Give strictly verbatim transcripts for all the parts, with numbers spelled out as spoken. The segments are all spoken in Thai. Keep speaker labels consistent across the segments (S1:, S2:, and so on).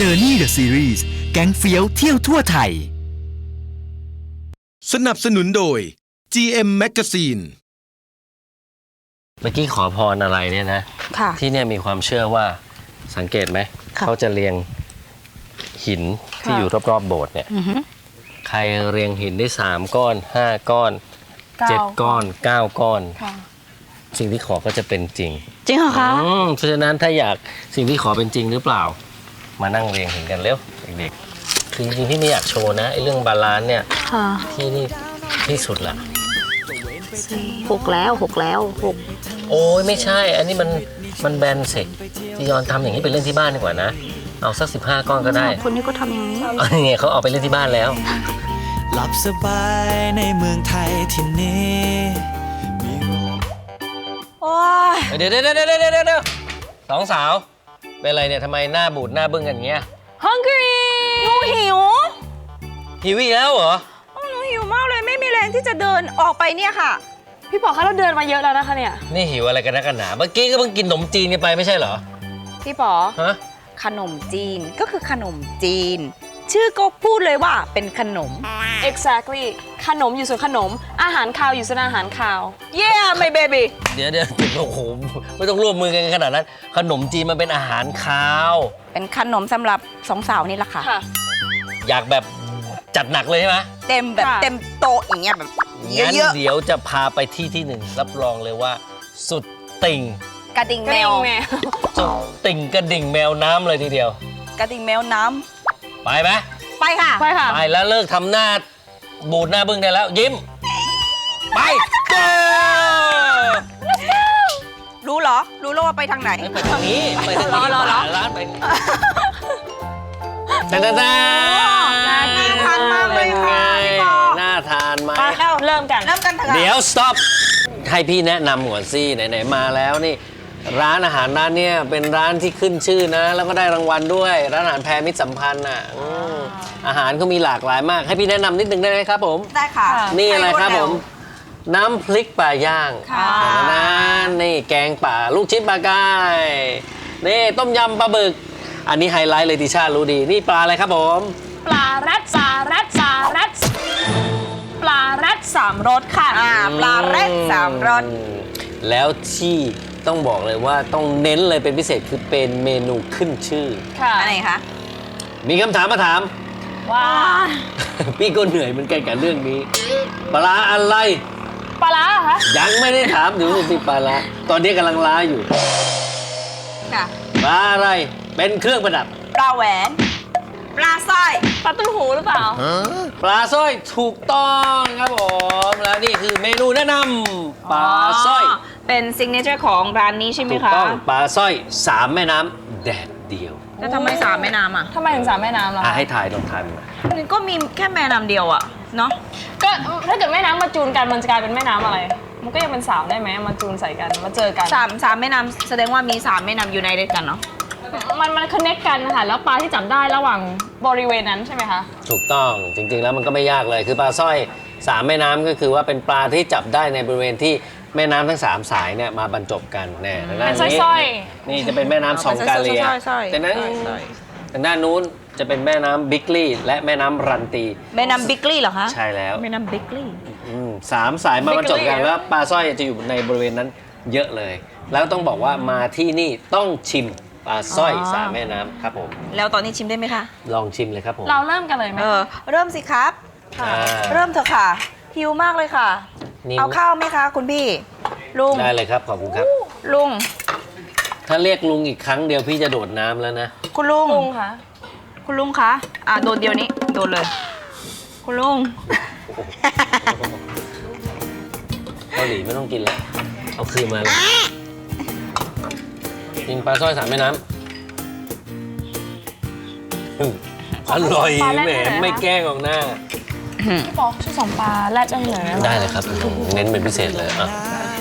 S1: Journey the Series แก๊งเฟี้ยวเที่ยวทั่วไทย
S2: สนับสนุนโดย จี เอ็ม Magazine
S3: เมื่อกี้ขอพรอะไรเนี่ยนะที่เนี่ยมีความเชื่อว่าสังเกตไหมเขาจะเรียงหินที่อยู่รอบๆโบสถ์เนี่ยใครเรียงหินได้สามก้อนห้าก้อนเจ็ดก้อนเก้าก้อนสิ่งที่ขอก็จะเป็นจริง
S4: จริงเหรอคะ
S3: เพราะฉะนั้นถ้าอยากสิ่งที่ขอเป็นจริงหรือเปล่ามานั่งเรียงหินกันเร็วเด็กๆคือจริงๆที่ไม่อยากโชว์นะไอ้เรื่องบาลานซ์เนี่ยที่นี่ที่สุดละ
S4: หกแล้วหกแล้วหก
S3: โอ้ยไม่ใช่อันนี้มันมันแบนเสกที่ยอนทำอย่างนี้ไปเล่นที่บ้านดีกว่านะเอาสักสิบห้าก้อนก็ได้
S4: คนนี้ก็ทำอย่างนี้
S3: อันนี้เขาเอาไปเล่นที่บ้านแล้ว
S5: หลับสบายในเมืองไทยที่นี่
S4: โอ้ย
S3: เดี๋ยวเดี๋ยวเดี๋ยวเดี๋ยวเดี๋ยวสองสาวเป็นอะไรเนี่ยทำไมหน้าบูดหน้าบึ้งกันอย่างเงี้ย
S4: Hungry หนูหิว
S3: หิวอีกแล้วเหรอ
S4: หนูหิวมากเลยไม่มีแรงที่จะเดินออกไปเนี่ยค่ะพี่ป๋อคะเราเดินมาเยอะแล้วนะคะเนี่ย
S3: นี่หิวอะไรกันนักกันหนาเมื่อกี้ก็เพิ่งกินขนมจีนกันไปไม่ใช่เหรอ
S4: พี่ป๋อ
S3: ฮะ
S4: ขนมจีนก็คือขนมจีนชื่อก็พูดเลยว่าเป็นขนม
S6: exactly ขนมอยู่ส่วนขนมอาหารคาวอยู่ส่วนอาหารคาว
S4: yeah my baby
S3: เดี๋ยวเดี๋ยวโอ้โหไม่ต้องร่วมมือกันขนาดนั้นขนมจีนมันเป็นอาหารคาว
S4: เป็นขนมสำหรับสองสาวนี่แหละค่ะ
S3: อยากแบบจัดหนักเลยใช่ไหม
S4: เต็มแบบเต็มโต๊ะอย่างเงี้ยแบบเยอะ
S3: ๆเดี๋ยวจะพาไปที่ที่หนึ่งรับรองเลยว่าสุดติ่ง
S4: กระดิ่งแมว
S3: สุดติ่งกระดิ่งแมวน้ำเลยทีเดียว
S4: กระดิ่งแมวน้
S3: ำไปไหม
S4: ไปค่ะ
S6: ไปค่ะ
S3: ไปแล้วเลิกทำหน้าบูดหน้าบึ้งได้แล้วยิ้มไป
S4: รู้เหรอรู้แล้วว่าไปทางไหน
S3: ไปทางนี้ไปทางนี้ร้านไปแต่แต่แต่
S4: น่าทานมากเลยค่ะ
S3: น่าทานไหม
S6: เริ่มกัน
S4: เริ่มกัน
S3: เดี๋ยว stop ให้พี่แนะนำก่อนสิไหนๆมาแล้วนี่ร้านอาหารร้านเนี้ยเป็นร้านที่ขึ้นชื่อนะแล้วก็ได้รางวัลด้วยร้านอาหารแพรมิตรสัมพันธ์อ่ะอาหารก็มีหลากหลายมากให้พี่แนะนำนิดนึงได้ไหมครับผม
S4: ได้ค่ะ
S3: นี่อะไรครับผมน้ำพริกปลาย่างนะนี่แกงป่าลูกชิ้นปลากายนี่ต้มยำปลาบึกอันนี้ไฮไลท์เลยติชารู้ดีนี่ปลาอะไรครับผม
S6: ปลาแรดสาแรดสาแรดปลาแรดสามรสค่ะ
S4: ปลาแรดสามรส
S3: แล้วที่ต้องบอกเลยว่าต้องเน้นเลยเป็นพิเศษคือเป็นเมนูขึ้นชื่อ
S4: ค่ะอะไรคะ
S3: มีคำถามมาถาม
S6: ว่า
S3: พี่ก็เหนื่อยเหมือนกันกับเรื่องนี้ปลาอะไร
S6: ปลาคะ
S3: ยังไม่ได้ถามถึงสิปลาตอนนี้กำลังล้าอยู่
S4: ค่ะ
S3: ปลาอะไรเป็นเครื่องประดับ
S4: ปลาแหวนปลาสร้อย
S6: ปลาตุ้งหูหรือเปล่า
S3: ปลาสร้อยถูกต้องครับผมแล้วนี่คือเมนูแนะนำปลาสร้อย
S4: เป็นซิกเนเจอร์ของร้านนี้ใช่ไหมคะถูก
S3: ต้องปลาสร้อยสามแม่น้ำแดดเดียว
S4: แล้วทำไมสามแม่น้ำอ่ะ
S6: ทำไมถึงสามแม่น้ำล่ะ
S3: ให้ถ่ายลองถ่ายมา
S4: ก็มีแค่แม่น้ำเดียวอ่ะเนาะ
S6: ก็ถ้าเกิดแม่น้ำมาจูนกันมันจะกลายเป็นแม่น้ำอะไรมันก็ยังเป็นสามได้ไหมมาจูนใส่กันมาเจอกัน
S4: สามสามแม่น้ำแสดงว่ามีสามแม่น้ำอยู่ในเดียวกันเนาะ
S6: มันมันคอนเนคกันค่ะแล้วปลาที่จับได้ระหว่างบริเวณนั้นใช่ไหมคะ
S3: ถูกต้องจริงๆแล้วมันก็ไม่ยากเลยคือปลาสร้อยสามแม่น้ำก็คือว่าเป็นปลาที่จับได้ในบริเวณที่แม่น้ำทั้งสามสายเนี่ยมาบรรจบกันแน่ทางด้านนี้นี่จะเป็นแม่น้ำสองกาเลียแต่นั้นทางด้านนู้นจะเป็นแม่น้ำบิ๊กลี่และแม่น้ำรันตี
S4: แม่น้ำบิ๊กลี่เหรอคะ
S3: ใช่แล้ว
S4: แม่น้ำบิ๊กลี่
S3: สามสายมาบรรจบกันแล้วปลาสร้อยจะอยู่ในบริเวณนั้นเยอะเลยแล้วต้องบอกว่ามาที่นี่ต้องชิมปลาสร้อยสามแม่น้ำครับผม
S4: แล้วตอนนี้ชิมได้ไหมคะ
S3: ลองชิมเลยครับผม
S6: เราเริ่มกันเลยไหม
S4: เออเริ่มสิครับเริ่มเถอะค่ะหิวมากเลยค่ะเอาข้าวไหมคะคุณพี่ลุง
S3: ได้เลยครับขอบคุณครับ
S4: ลุง
S3: ถ้าเรียกลุงอีกครั้งเดียวพี่จะโดดน้ำแล้วนะ
S4: คุณลุง
S6: ลุงคะ
S4: คุณลุงคะอ่ะโดดเดียวนี้โดดเลยคุณลุง
S3: เกาหลีไม่ต้องกินแล้วเอาคืนมาเลยกินปลาสร้อยสามแม่น้ำอร่อยแหมไม่แกล้งออกหน้า
S6: พี่ปอช่วยสองปลาแรดได้เลย
S3: ได้เลยครับเน้นเป็นพิเศษเลยอ่ะ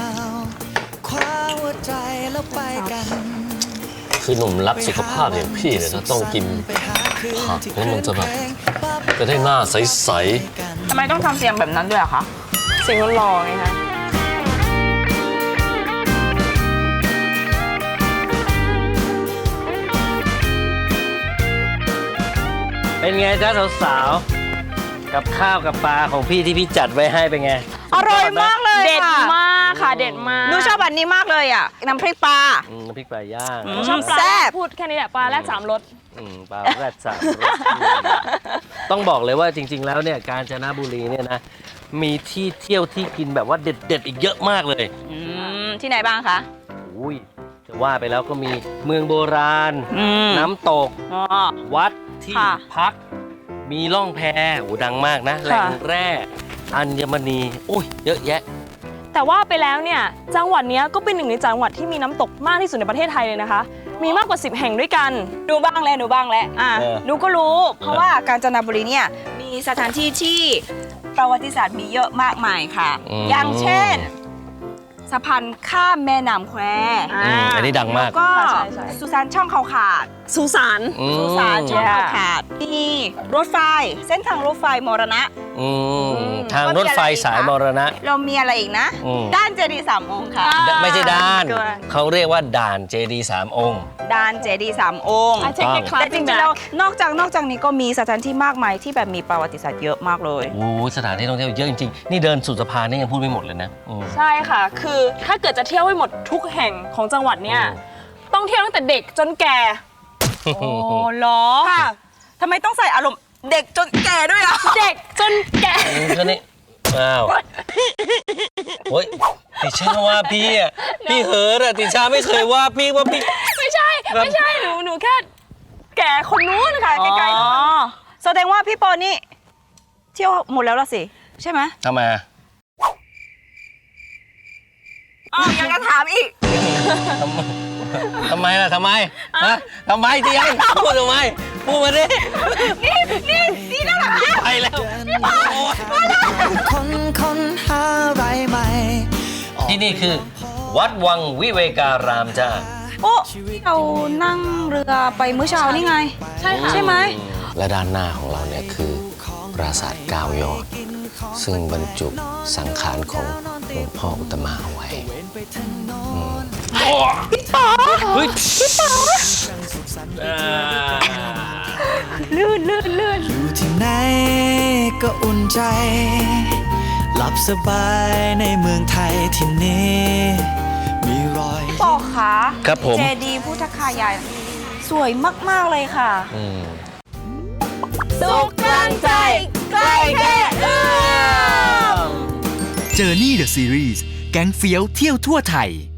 S3: คือหนุ่มรักสุขภาพอย่างพี่เนี่ยนะต้องกินผักแล้วมันจะแบบจะได้หน้าใส
S4: ๆทำไมต้องทำเสียงแบบนั้นด้วยอะคะ
S6: เสียงหล่อไงคะ
S3: เป็นไงจ๊ะสาวๆ กับข้าวกับปลาของพี่ที่พี่จัดไว้ให้เป็นไง
S4: อร่อยมากเลย
S6: เด็ด
S4: ค่ะ
S6: มากค่ะเด็ดมาก
S4: หนูชอบอันนี้มากเลยอ่ะ น้ำพริกปลา
S3: อืมน้ำพริกปลาย่าง
S4: อื
S6: หนูชอบปลา
S4: แซ่บ
S6: พูดแค่นี้แหละปลาแรกสามรส
S3: อืมปลาแรดสามรสต้องบอกเลยว่าจริง ๆ แล้วเนี่ยกาญจนบุรีเนี่ยนะมีที่เที่ยวที่กินแบบว่าเด็ดๆอีกเยอะมากเลย
S4: อืมที่ไหนบ้างคะ
S3: อุ้ยจะว่าไปแล้วก็มีเมืองโบราณ
S4: อืม
S3: น้ำตก
S4: อ๋อ
S3: วัดที่
S4: ค่ะ
S3: พัก มีล่องแพโอ้ดังมากนะแหล่งแร่อัญมณีอุ้ยเยอะแยะ
S6: แต่ว่าไปแล้วเนี่ยจังหวัดเนี้ยก็เป็นหนึ่งในจังหวัดที่มีน้ำตกมากที่สุดในประเทศไทยเลยนะคะ มีมากกว่าสิบแห่งด้วยกัน
S4: ดูบ้างแล้วดูบ้างแล้วอ่ะ
S3: เออ
S4: หนูก็รู้ เพราะว่ากาญจนบุรีเนี่ยมีสถานที่ที่ประวัติศาสตร์มีเยอะมากมายค่ะ อย่างเช่นสะพานข้ามแม่น้ำแคว
S3: อืมอันนี้ดังมาก
S4: ก็
S6: ใช่ใช่
S4: สุสานช่องเขาขาด
S6: สุสาน
S3: อืม
S4: สุสานช่องเขาขาดมีรถไฟ เส้นทางรถไฟมรณะ
S3: อืมทางรถไฟสายมรณะ
S4: เรามีอะไรอีกนะ
S3: อืม
S4: ด้านเจดีย์สามองค์ค่ะ
S6: อ่า
S3: ไม่ใช่ด้าน
S4: เกิน
S3: เขาเรียกว่าด่านเจดีสามองค์
S4: ด้านเจดีย์สามองค์
S6: I take a class
S4: แต่จริงๆแล้วนอกจากนอกจากนี้ก็มีสถานที่มากมายที่แบบมีประวัติศาสตร์เยอะมากเลย
S3: โอ้โหสถานที่ท่องเที่ยวเยอะจริงๆ นี่เดินสุดสะพานนี่ยังพูดไม่หมดเลยนะอืม
S6: ใช่ค่ะ คือถ้าเกิดจะเที่ยวให้หมดทุกแห่งของจังหวัดเนี่ย
S3: อืม
S6: ต้องเที่ยวตั้งแต่เด็กจนแก่
S4: โอ้เหรอค่ะทำไมต้องใส่อารมณ์เด็กจนแก่ด้วยอ่ะ
S6: เด็กจนแก่
S3: อืมก็นี่อ้าวโอ้ยติชาว่าพี่อ่ะพี่เหิร์อะติชาไม่เคยว่าพี่ว่าพี่
S6: ไม่ใช่
S3: ครับ
S6: ไม่ใช่หนูหนูแค่แก่คนนู้นค่ะไกลๆ
S4: อ๋
S6: นู้
S4: อน แสดงว่าพี่ปอนี่เที่ยวหมดแล้วล่ะสิ ใช่ไหม
S3: ทำไมอะ
S4: อ๋อยังจะถามอีก
S3: ทำไมทำไมล่ะทำไมฮะทำไมเจียงพูดทำไมพูดมาดิ
S4: นี่นี่นี่นั่นแหละ
S3: ไปแล้ว
S5: คนค้นหาอะไรใหม่
S3: ที่นี่คือ วัดวังวิเวการามจ้า
S4: โอ้ที่เรานั่งเรือไปมื้อเช้านี่ไง
S6: ใช่ค่ะ
S4: ใช่ไหม
S3: และด้านหน้าของเราเนี่ยคือปราสาทเก้ายอด ซึ่งบรรจุสังขารของหลวงพ่ออุตตมะเอาไว้พี่ป๋อเฮ้ยพี่ป๋อ
S4: ลื่นลื่นลื่น
S5: อยู่ที่ไหนก็อุ่นใจ หลับสบายในเมืองไทยที่นี้ มีรอย
S4: ปอคะ
S3: ครับผม
S4: เจดีย์พุทธคายายสวยมากๆเลยค่ะ
S3: อืม
S4: สุขกลางใจใกล้แค่เอื้อม
S1: Journey the Series แก๊งเฟี้ยวเที่ยวทั่วไทย